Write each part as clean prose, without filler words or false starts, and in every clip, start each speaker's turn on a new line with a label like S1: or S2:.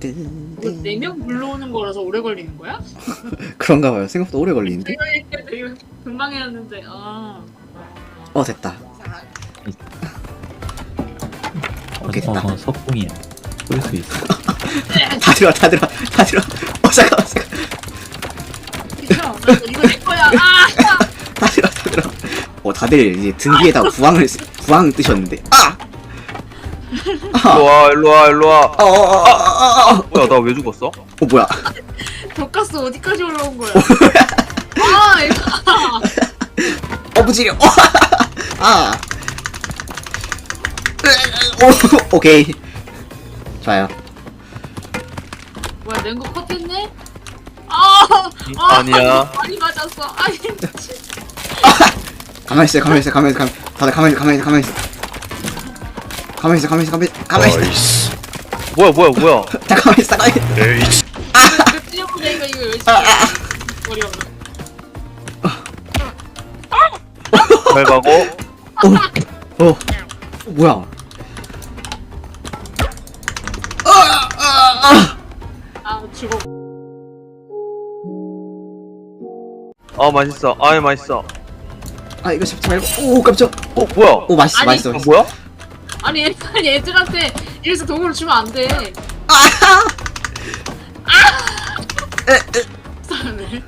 S1: 4명 불러오는 거라서 오래 걸리는 거야?
S2: 그런가 봐요. 생각보다 오래 걸리는데.
S1: 되게 금방 해놨는데
S2: 됐다. 됐다.
S3: 석궁이야. 쏠 수 있어.
S2: 다 들어. 잠깐만.
S1: 비켜. 이거 내 거야.
S2: 다 들어. 다들 이제 등 뒤에다 부항 뜨셨는데.
S4: 일로와. 뭐야, 나 왜 죽었어?
S2: 뭐야?
S1: 덕가스 어디까지 올라온 거야? 이거.
S2: 부지려. 오케이. 좋아요.
S1: 뭐야, 냉고 컷했네?
S4: 아니야.
S1: 많이 맞았어. 아니,
S2: 가만히 있어. 다들 가만히 있어.
S4: 뭐야.
S2: 자, 가만히 있어.
S1: 그 찌려보내 이거 열심히. 머리 없는.
S4: 잘 가고.
S2: 뭐야?
S1: 죽어.
S4: 맛있어. 맛있어.
S2: 이거 잡지 말고. 깜짝.
S4: 뭐야?
S2: 맛있어.
S1: 아니,
S4: 뭐야?
S1: 아니 애들한테 이래서 도구를 주면 안 돼. 사람을.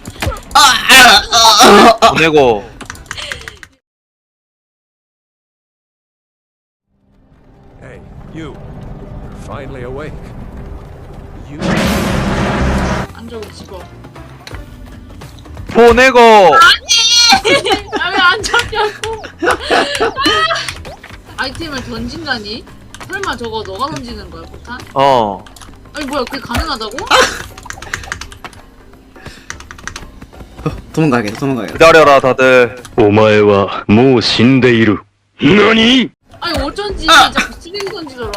S4: 보내고.
S5: Hey, you. You're finally awake. You.
S1: 안 적어 죽어.
S4: 보내고.
S1: 왜안 잡냐고. 아이템을 던진다니? 설마 저거 너가 던지는 거야, 포탄? 아니 뭐야, 그게 가능하다고?
S2: 도망가야겠다.
S4: 기다려라, 다들.
S6: お前はもう死んでいる。何？
S1: 아니 어쩐지 자꾸 쓰레기 던지더라.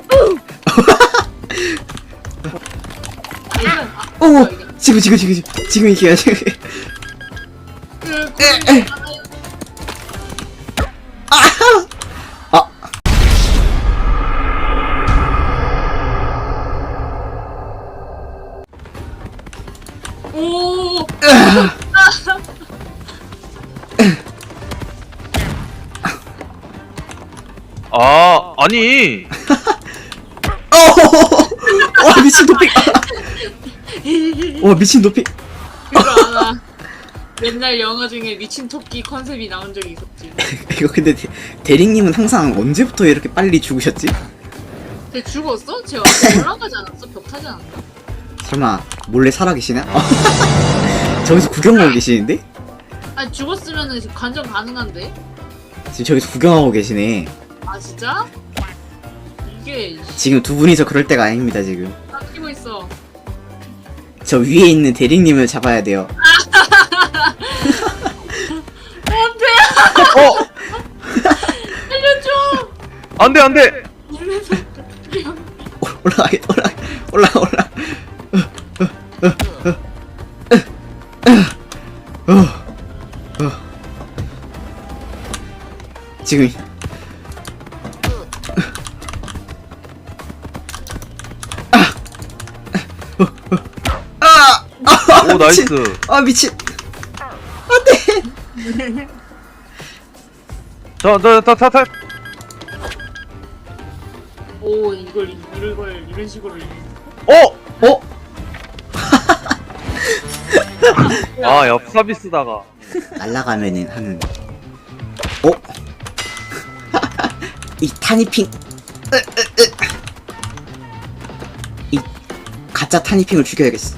S1: 뭐야, 이게.
S2: 지금 이게
S1: 오.
S4: 아니.
S2: 미친 도핑.
S1: 그거 알아. 옛날 영화 중에 미친 토끼 컨셉이 나온 적이 있었지.
S2: 이거 근데 대리님은 항상 언제부터 이렇게 빨리 죽으셨지?
S1: 근데 죽었어? 제가 올라가지 않았어? 벽 타지 않았나?
S2: 설마 몰래 살아계시나? 저기서 구경하고 계시는데?
S1: 아니 죽었으면은 관전 가능한데?
S2: 지금 저기서 구경하고 계시네.
S1: 아 진짜? 이게
S2: 지금 두 분이서 그럴 때가 아닙니다. 지금
S1: 닦이고 있어.
S2: 저 위에 있는 대리님을 잡아야 돼요.
S1: 안돼! 살려줘!
S4: 안돼.
S2: 올라가. 지금
S4: 오, 나이스.
S2: 미친.
S4: 타.
S1: 오 이걸 이런 식으로
S4: 옆 서비스다가.
S2: 날라가면은 하는. 이 타니핑. 이 가짜 타니핑을 죽여야겠어.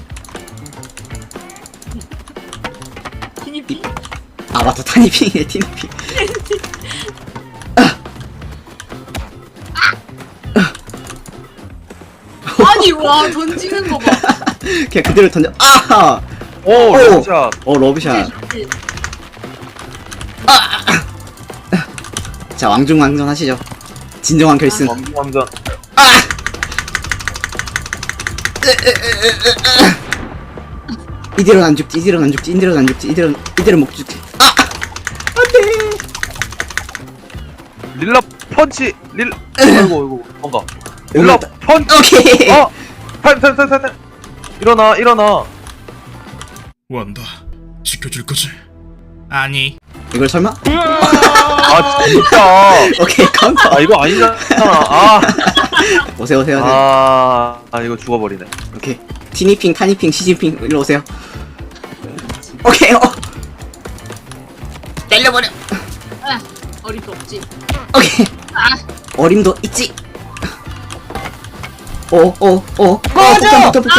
S1: 티니피?
S2: 맞다, 타니핑이네. 티니핑.
S1: 아니 와 던지는 거 봐.
S2: 그냥 그대로 던져.
S4: 오, 러브샷.
S2: 러브샷. 자, 왕중왕전 하시죠. 진정한 결승.
S4: 완전.
S2: 이대로는 안 죽지. 이대로는 못 죽지. 안돼.
S4: 릴라 펀치. 아이고, 뭔가. 릴라 펀치.
S2: 오케이.
S4: 타임. 일어나.
S7: 원다. 지켜줄 거지? 아니.
S2: 이걸 설마?
S4: 아 진짜.
S2: 오케이 카운터.
S4: 아 이거 아니잖아.
S2: 오세요.
S4: 이거 죽어버리네.
S2: 오케이. 티니핑, 타니핑, 시진핑 일로 오세요. 오케이. 때려버려.
S1: 아, 어림도 없지.
S2: 오케이.
S1: 아,
S2: 어림도 있지. 폭탄.
S1: 잠깐만.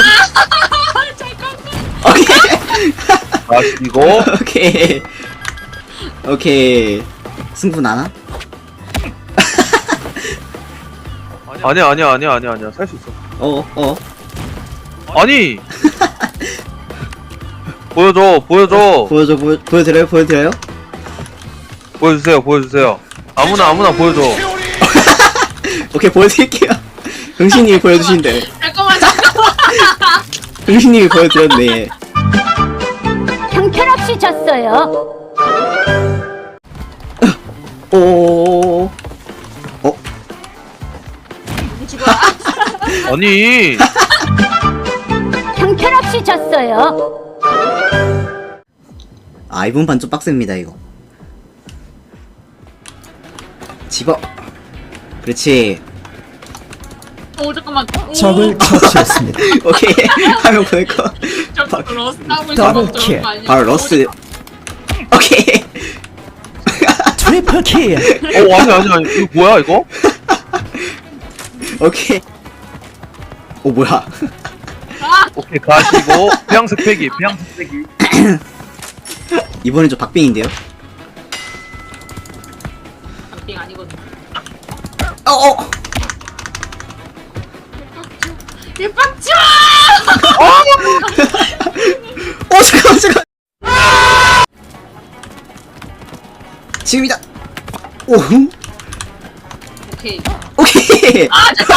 S2: 오케이. 오케이. 승부 나나?
S4: 아니야. 살 수 있어. 아니. 보여줘.
S2: 보여드려요?
S4: 보여주세요. 아무나 보여줘.
S2: 오케이, 보여드릴게요. 흥신님이 보여주신대.
S1: 잠깐만.
S2: 흥신님이 보여드렸네.
S8: 형편없이 졌어요.
S2: 오.
S1: 죽어.
S4: 아니.
S8: 형편없이 졌어요.
S2: 아, 이번 판 좀 빡셉니다, 이거. 집어. 그렇지.
S1: 잠깐만.
S3: 적을 처치했습니다.
S2: 오케이. 화면 보낼 거.
S1: 저 러스 하고
S3: 더블
S1: 있어.
S3: 킬.
S2: 바로 러스. 오케이.
S3: 트리플 킬.
S4: 아니. 이거 뭐야 이거?
S2: 오케이. 오, 뭐야.
S4: 오케이 가시고 태양색 패기.
S2: 이번엔 좀 박빙인데요?
S1: 빙 아니거든. 일박쳐.
S2: 잠깐. 지금이다.
S1: 오케이.
S2: 오케이.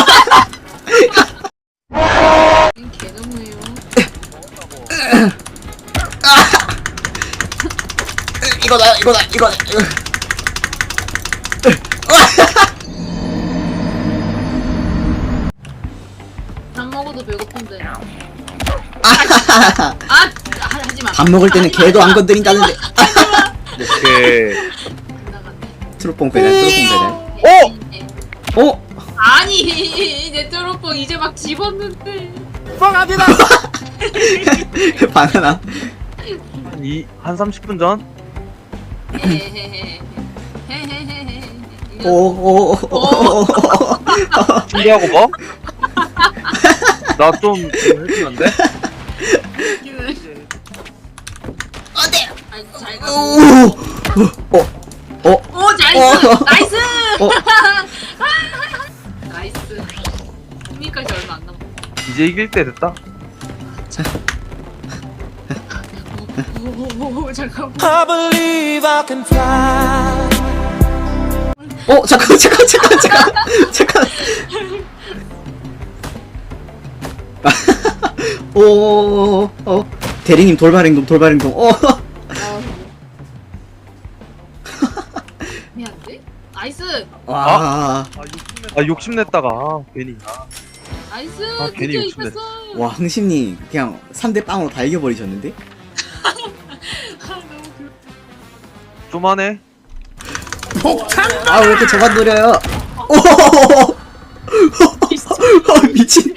S1: 개너무해요.
S2: 이거다.
S1: 밥 먹어도 배고픈데.
S2: 아하하하.
S1: 하지마.
S2: 밥 먹을 때는 개도 안 건드린다는데.
S4: 오케이.
S1: 나갔네.
S2: 트로뽕 배달.
S1: 아니 내 트로뽕 이제 막 집었는데.
S2: 바나나.
S4: 한 30분 전?
S1: 헤헤헤헤.
S4: 준비하고 뭐? 나 좀 해주는데?
S1: 어때? 잘 가. 오 나이스. 나이스. 흥미까지 얼마 안 남았어.
S4: 이제 이길 때 됐다?
S1: 오 잠깐만.
S2: 잠깐. 대리님 돌발행동.
S1: 미안한데? 나이스.
S2: 와.
S4: 욕심냈다가 괜히.
S1: 나이스.
S4: 괜히
S1: 드디어
S4: 욕심냈어.
S1: 이겼어.
S2: 와, 흥심님 그냥 3대 빵으로 다 이겨버리셨는데?
S1: 너무 귀여워.
S4: 좀 하네.
S2: 아, 왜 이렇게 저만 노려요? 미친.